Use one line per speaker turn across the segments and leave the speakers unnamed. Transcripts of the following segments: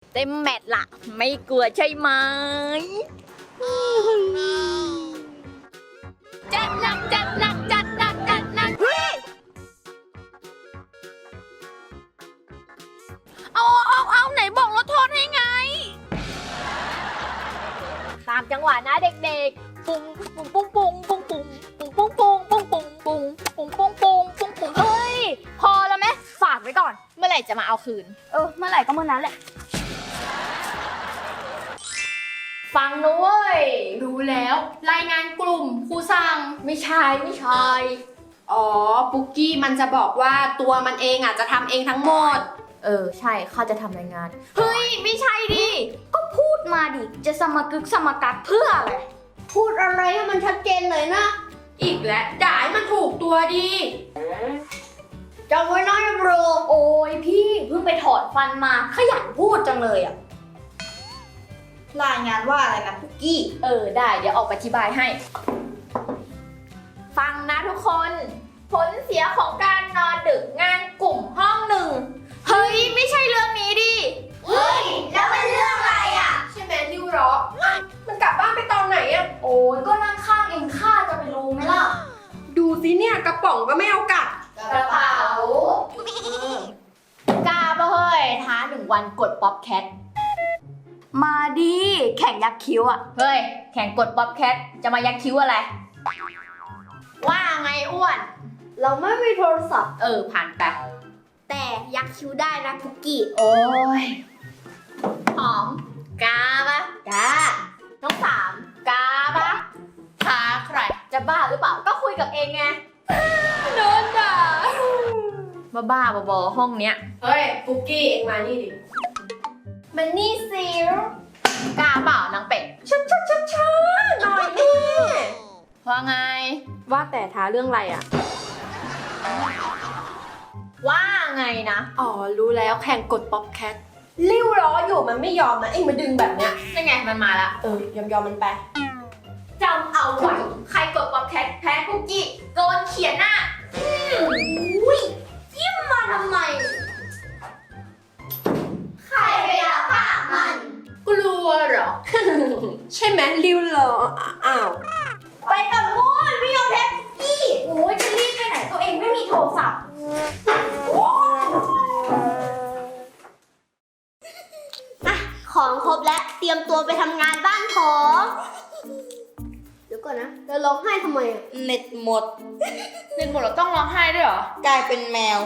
เต็มแมตช์ละไม่กลัวใช่ไหมจัดหนักจัดหนักจัดหนักจัดหนักเอาไหนบอกลดโทษให้ไงตามจังหวะนะเด็กๆปุ้งปุ้งปุ้งปุ้งปุ้งปุ้งปุ้งปุ้งปุ้งปุ้งปุ้งปุ้งปุ้งปุ้งปุ้งปุ้งปุ้งเฮ้ยพอแล้วไหมฝากไว้ก่อนเมื่อไหร่จะมาเอาคืนเมื่อไหร่ก็เมื่อนั้นแหละฟังนะเว้ยรู้แล้วรายงานกลุ่มครูสั่งไม่ใช่
อ๋อปุกกี้มันจะบอกว่าตัวมันเองอ่ะจะทำเองทั้งหมด
ใช่ข้าจะทำรายงานเฮ้ยไม่ใช่ดิก็พูดมาดิจะสมกึกสมกักเพื่ออะไร
พูดอะไรให้มันชัดเจนเลยนะอีกแล้วด่าให้มันถูกตัวดี
จำไว้นะโบรโอ้ยพี่เพิ่งไปถอนฟันมาขยันพูดจังเลยอ่ะ
รายงานว่าอะไรนะปุกกี้
ได้เดี๋ยวออกไปอธิบายให้ฟังนะทุกคนผลเสียของการนอนดึกงานกลุ่มห้องหนึ่งเฮ้ยไม่ใช่เรื่องนี้ดิ
เฮ้ยแล้วมันเรื่องอะไรอ่ะใช่ไหมริ้วล้อมันกลับบ้านไปตอนไหนอ่ะ
โอ้ยก็นั่งข้างเองข้าจะไปรู้ไหมล่ะ
ดูสิเนี่ยกระป๋องก็ไม่เอากลับ
กระเป๋ากล้าปะเฮ้ยท้า1 วันกดป๊อปแคทมาดิแข่งยักคิ้วอ่ะเฮ้ยแข่งกดป๊อปแคทจะมายักคิ้วอะไรว่าไงอ้วน
เราไม่มีโทรศัพท์
ผ่านไป
แต่ยักคิ้วได้นะปุกกี้
โอ้ยหอมกาปะ
กา
น้อง3กาปะท้าใครจะบ้าหรือเปล่าก็คุยกับเองไงโดนด่าบ้าบอห้องเนี้ย
เฮ้ยปุกกี้เองมานี่ดิ
มันนี่สิกาเปล่านางเป็ดช้าหน่อยดิว่าไง
ว่าแต่ท้าเรื่องอะไรอ่ะ
ว่าไงนะ
อ๋อรู้แล้วแข่งกดป๊อปแคทริ้วล้ออยู่มันไม่ยอมนะเอ็งมาดึงแบบเนี้ย
นั่นไงมันมาละ
ยอมมันไป
จำเอาไว้ใครกดป๊อปแคทแพ้คุกกี้โดนเขียนหน้ายิ้มมาทำไม
ใครไปละปากมัน
กลัวเหรอ
ใช่ไหมริ้วล้ออ้าว
ไปกับโง่ไม่ยอมแพ้คุกกี้โอ้ยจะรีบไปไหนตัวเองไม่มีโทรศัพท์
ของครบแล้วเตรียมตัวไปทำงานบ้านของเดี๋ยวก่อนนะจะร้องไห้ทำไม
เน็ตหมดเราต้องร้องไห้ด้วยเหรอก
ลายเป็นแมว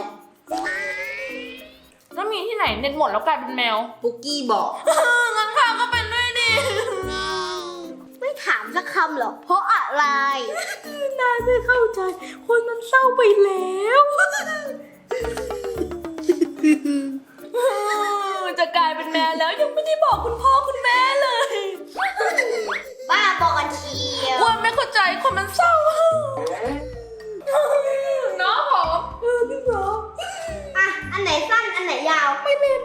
แล้วมีที่ไหนเน็ตหมดแล้วกลายเป็นแมว
ปุกกี้บอก
งั้นข้าก็เป็นด้วยดิ
ไม่ถามสักคำหรอเพราะอะไร
นายไม่เข้าใจคนมันเศร้าไปแล้วจะกลายเป็นแมวแล้วยังไม่ได้บอกคุณพ่อคุณแม่เลย
บ้าบอกกันเชียว
ว่าไม่เข้าใจคนมันเศร้าน้องหอมพี่หอม
อันไหนสั้นอันไหนยาว
ไม่เล่น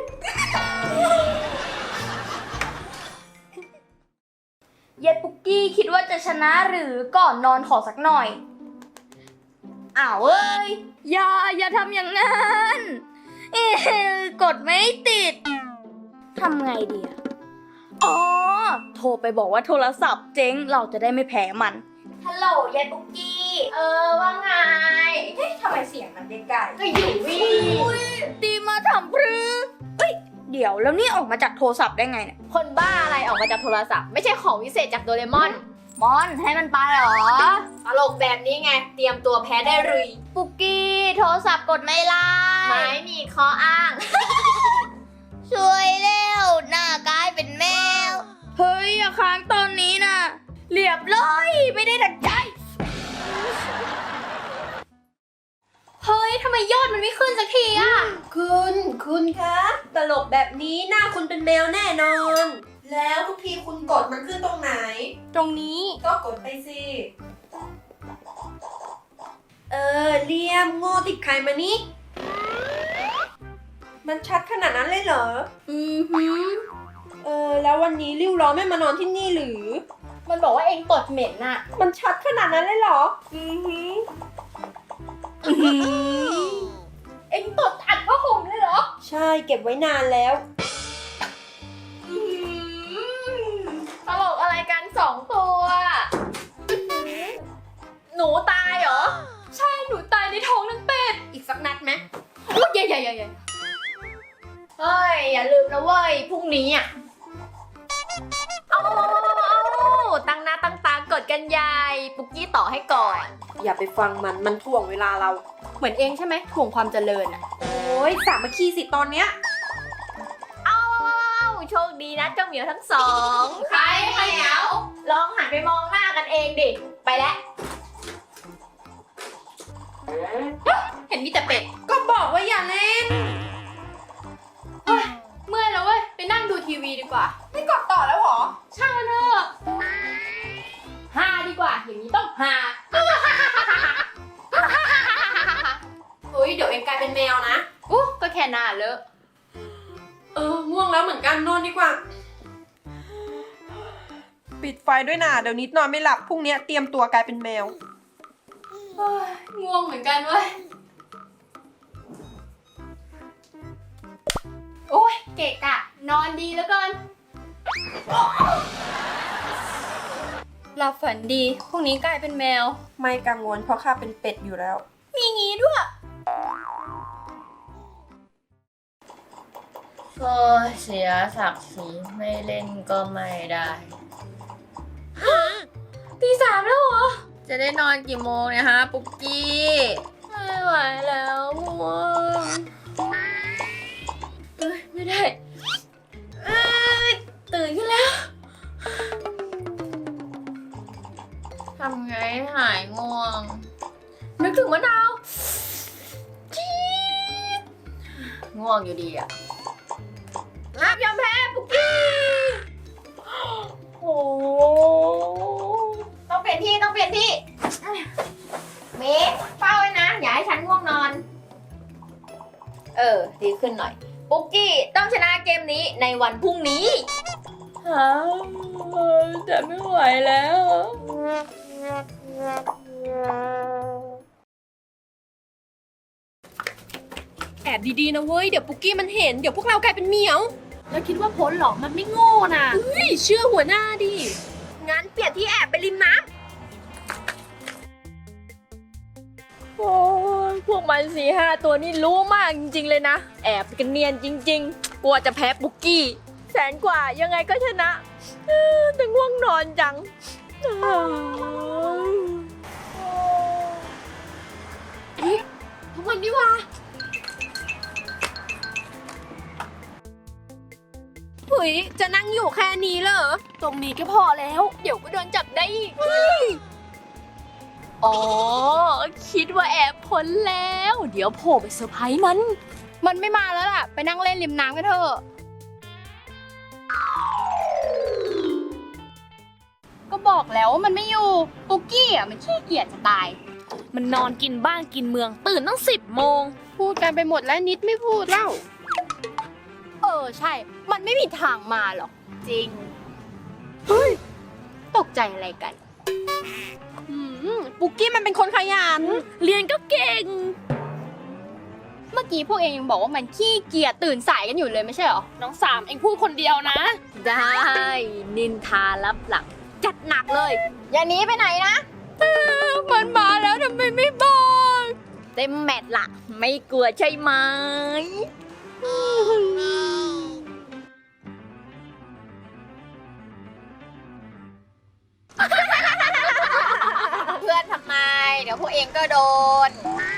เย็ดปุกกี้คิดว่าจะชนะหรือก่อนนอนขอสักหน่อยอ้าวเอ้ยอย่าทำอย่างนั้นกดไม่ติดทำไงดีอ๋อโทรไปบอกว่าโทรศัพท์เจ๊งเราจะได้ไม่แพ้มันฮัลโหลยายปุ๊กกี้ว่าไงเฮ้ยทำไมเสียงมันไกลๆก็อยู่วี่ดีมาทำพรือเดี๋ยวแล้วนี่ออกมาจากโทรศัพท์ได้ไงเนี่ยคนบ้าอะไรออกมาจากโทรศัพท์ไม่ใช่ของวิเศษจากโดเรมอนให้มันไปเหรอตลกแบบนี้ไงเตรียมตัวแพ้ได้เลยปุกกี้โทรศัพท์กดไม่ไล่ไม่มีข้ออ้างช่วยเร็วหน้ากลายเป็นแมวเฮ้ยอย่าค้างตอนนี้นะเรียบร้อยไม่ได้ดังใจเฮ้ยทำไมยอดมันไม่ขึ้นสักทีอ่ะ
คุณคะตลกแบบนี้หน้าคุณเป็นแมวแน่นอนแล้วทุกทีคุณกดมันขึ้นตรงไหน
ตรงนี้
ก็กดไปสิเลี่ยมโง่ติดใครมานี่มันชัดขนาดนั้นเลยเหรอแล้ววันนี้ริ้วล้อไม่มานอนที่นี่หรือ
มันบอกว่าเองตดเหม็นน่ะ
มันชัดขนาดนั้นเลยเหรอ
เองตดอัดผ้าห่มเลยเหรอ
ใช่เก็บไว้นานแล้ว
เฮ้ยอย่าลืมนะเว้ยพรุ่งนี้อ่ะเอาตั้งหน้าตั้งตากดกันยายปุกกี้ต่อให้ก่อน
อย่าไปฟังมันถ่วงเวลาเรา
เหมือนเองใช่ไหมถ่วงความเจริญอ่ะ
โอ้ยสามัคคีสิตอนเนี้ย
เอาโชคดีนะเจ้าเหมียวทั้งสองใครเหมียวลองหันไปมองหน้ากันเองดิไปแล้วเห็นมีแต่เป็ด
ก็บอกว่าอย่าเล่น
เมื่อยแล้วเว้ยไปนั่งดูทีวีดีกว่า
ไม่กดต่อแล้วหรอ
ช่างมันเถอะฮาดีกว่าอย่างนี้ต้องฮา
เฮ้ยเดี๋ยวเองกลายเป็นแมวนะ
ก็แค่หน้าเลอะ
ง่วงแล้วเหมือนกันนอนดีกว่า ปิดไฟด้วยนะเดี๋ยวนิดนอนไม่หลับพรุ่งนี้เตรียมตัวกลายเป็นแมว
ง่วงเหมือนกันเว้ยโอ้ยเกะกะนอนดีแล้วกันหลับฝันดีพรุ่งนี้กลายเป็นแมว
ไม่กังวลเพราะข้าเป็นเป็ดอยู่แล้ว
มีงี้ด้วยก็เสียศักดิ์ศรีไม่เล่นก็ไม่ได้ตีสามแล้วเหรอ จะได้นอนกี่โมงเนี่ยฮะปุกกี้ ไม่ไหวแล้วง่วงไม่ได้ตื่นขึ้นแล้ว ทำไงให้หายง่วง นึกถึงมะนาวจี๊ดง่วงอยู่ดีอะห้ามยอมแพ้ปุกกี้โอ้ต้องเปลี่ยนที่ต้องเปลี่ยนที่เมฆเฝ้าไว้นะ อย่าให้ฉันง่วงนอน ดีขึ้นหน่อย ปุกกี้ต้องชนะเกมนี้ในวันพรุ่งนี้แต่ไม่ไหวแล้ว
แอบดีๆนะเว้ยเดี๋ยวปุกกี้มันเห็นเดี๋ยวพวกเรากลายเป็นเหมียว
แล้วคิดว่าพ้นหรอ มันไม่โง่น่ะ
เฮ้ยเชื่อหัวหน้าดิ
งั้นเปลี่ยนที่แอบไปริมน้ำโอ้ยพวกมัน4-5 ตัวนี่รู้มากจริงๆเลยนะ แอบกันเนียนจริงๆ กลัวจะแพ้ปุกกี้แสนกว่ายังไงก็ชนะแต่ง่วงนอนจังทุกวันนี้ว่า
เฮ้ยจะนั่งอยู่แค่นี้เหรอ
ตรงนี้ก็พอแล้ว เดี๋ยวก็โดนจับได้อีกอ๋อ คิดว่าแอบพ้นแล้ว เดี๋ยวโผล่ไปเซอร์ไพรส์มัน มันไม่มาแล้วล่ะ ไปนั่งเล่นริมน้ำกันเถอะ ก็บอกแล้วว่ามันไม่อยู่ ปุกกี้อ่ะมันขี้เกียจจะตาย มันนอนกินบ้านกินเมืองตื่นตั้ง10 โมง
พูดกันไปหมดแล้วนิดไม่พูดเล่า
ใช่ มันไม่มีทางมาหรอก จริง เฮ้ย ตกใจอะไรกัน
ปุกกี้มันเป็นคนขยัน
เรียนก็เก่ง เมื่อกี้พวกเองยังบอกว่ามันขี้เกียจตื่นสายกันอยู่เลยไม่ใช่เหรอ น้องสามเองพูดคนเดียวนะ ได้ นินทารับหลัง จัดหนักเลย อย่าหนีไปไหนนะมันมาแล้วทำไมไม่บอก เต็มแมตช์ละไม่กลัวใช่ไหม เพื่อนทำไม เดี๋ยวพวกเองก็โดน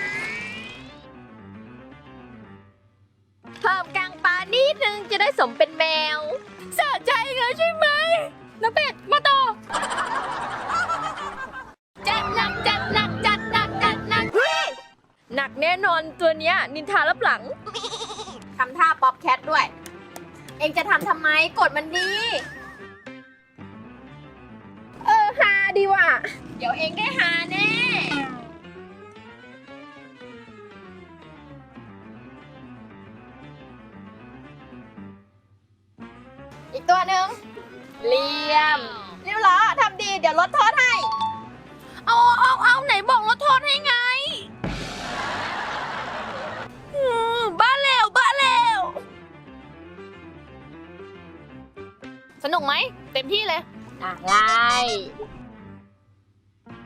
เพิ่มกลางปลานิดนึงจะได้สมเป็นแมวสะใจเหรอใช่ไหมน้ำเป็ดมาต่อ จัดหนักจัดหนักจัดหนักจัดหนักหนักแน่นอนตัวเนี้ยนินทารับหลัง ทำท่าป๊อปแคทด้วย เองจะทำไมกดมันดีฮาดีว่ะ เดี๋ยวเองได้หาแน่ อีกตัวหนึ่งเหลี่ยมเรียบร้อยทำดีเดี๋ยวลดโทษให้ เอาไหนบอกลดโทษให้ไงบ้าแล้วสนุกไหมเต็มที่เลยอะไร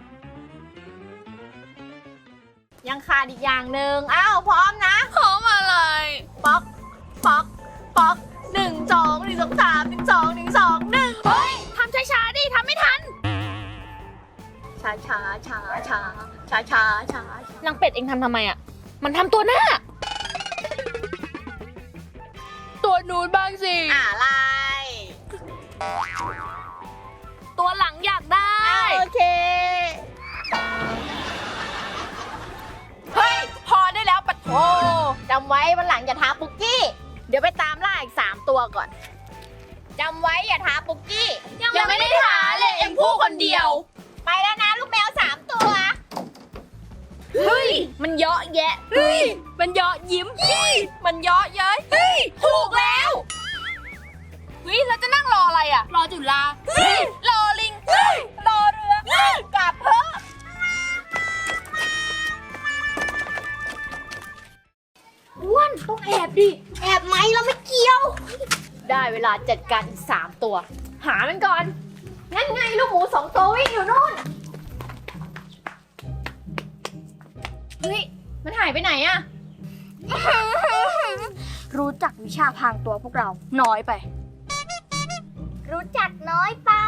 ยังขาดอีกอย่างหนึ่งอ้าวพร้อมนะพร้อมอะไร
ป๊อกป๊อกป๊อก1 2 1 2 3 1 2 1 2 1เฮ้ยทำช้าๆดิทำไม่ทันช้าช้าช้าช้าช้าช้าช้านางเป็ดเองทำไมอ่ะมันทำตัวหน้าตัวนู้นบ้างสิ
อะไร
ตัวหลังอยากได้
โอเค
เฮ้ยพอได้แล้วปะโถ
จำไว้วันหลังอย่าท้าปุกกี้ เดี๋ยวไปตามล่าอีก3 ตัวก่อน จำไว้อย่าท้าปุกกี้
ยังไม่ได้หาเลยเอ็งพูดคนเดียว
ไปแล้วนะลูกแมว3 ตัว
เฮ้ยมันเยอะแยะเฮ้ยมันเยอะยิ้มเฮ้ยมันเยอะเย้ยเฮ้ยถูกแล้วเฮ้ยเราจะนั่งรออะไรอ่ะรอจุฬาเฮ้ยรอลิงเฮ้ยรอเรือเฮ้ยกลับเถอะ
อ้วนต้องแอบดิ
แอบไหมเราไม่เกี่ยว
ได้เวลาจัดการอีก3 ตัว หามันก่อนงั้นไงลูกหมู2 ตัววิ่งอยู่นู่นเฮ้ยมันหายไปไหนอะ
รู้จักวิชาพรางตัวพวกเราน้อยไป
รู้จักน้อยไป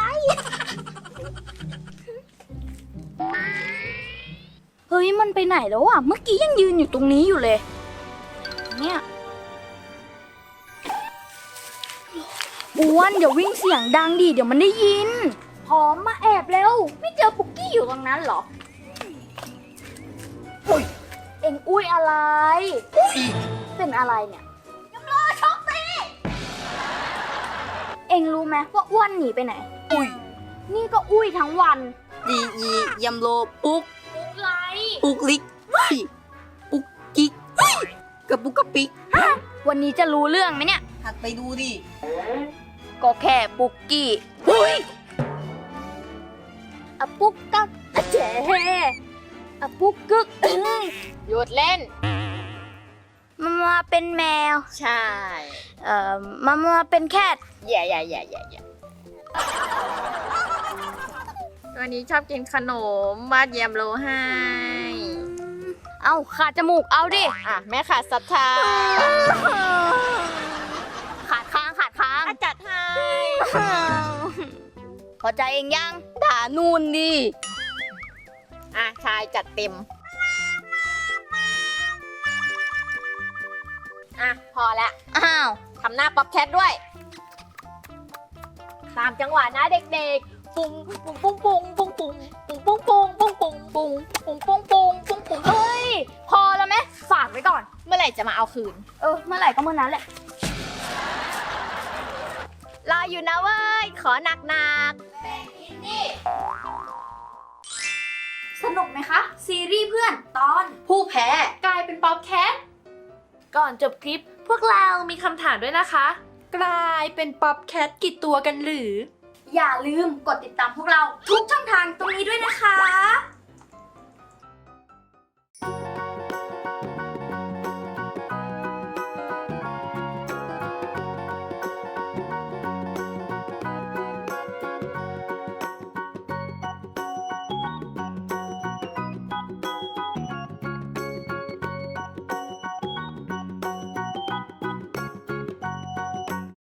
เฮ้ยมันไปไหนแล้วอ่ะ เมื่อกี้ยังยืนอยู่ตรงนี้อยู่เลย เนี่ยอ้วนเดี๋ยววิ่งเสียงดังดิเดี๋ยวมันได้ยิน พร้อมมาแอบเร็ว ไม่เจอปุกกี้อยู่ตรงนั้นเหรอเฮ้ยเอ็งอุ้ยอะไร เป็นอะไรเนี่ยยำโลช็อกตีเอ็งรู้ไหมว่าอ้วนหนีไปไหน
อุ้ย
นี่ก็อุ้ยทั้งวัน
ดีอียำโลปุ๊ก
ไร
ปุ๊กลิกเฮ้ยปุ๊กกิ๊กเฮ้ยกับปุ๊กกะปิก
วันนี้จะรู้เรื่องไหมเนี่ย
หัดไปดูดิ
ก็แค่ปุกกี้เฮ้ยอะปุกกักอะเจ๋อะปุกกึก
หยุดเล่น
มาเป็นแมว
ใช่
มาเป็นแคท
อย่า
ตัวนี้ชอบกินขนมวาดแยมโลให้
เอาขาดจมูกเอาดิ
อ่ะแม่ขาดศรัทธา
ขาดค้าง
จัดให้
พอใจเองยังด่านูนดิ
อ่ะชายจัดเต็ม อ่ะพอละ
อ้าว
ทำหน้าป๊อปแคทด้วย ตามจังหวะนะเด็กๆ ปุ้งปุ้งปุ้งปุ้งปุ้งปุ้งปุ้งปุ้งปุ้งปุ้งปุ้งปุ้งปุ้งปุ้งปุ้งปุ้งปุ้ง
เฮ้ย พอแล้วไหมฝากไว้ก่อน
เมื่อไหร่จะมาเอาคืน
เมื่อไหร่ก็เมื่อนั้นแหละ
รออยู่นะเว้ย ขอหนัก
สนุกไหมคะ ซีรีส์เพื่อนตอน
ผู้แพ้กลายเป็นป๊อปแคท ก่อนจบคลิปพวกเรามีคำถามด้วยนะคะ กลายเป็นป๊อปแคทกี่ตัวกันหรือ
อย่าลืมกดติดตามพวกเราทุกช่องทางตรงนี้ด้วยนะคะ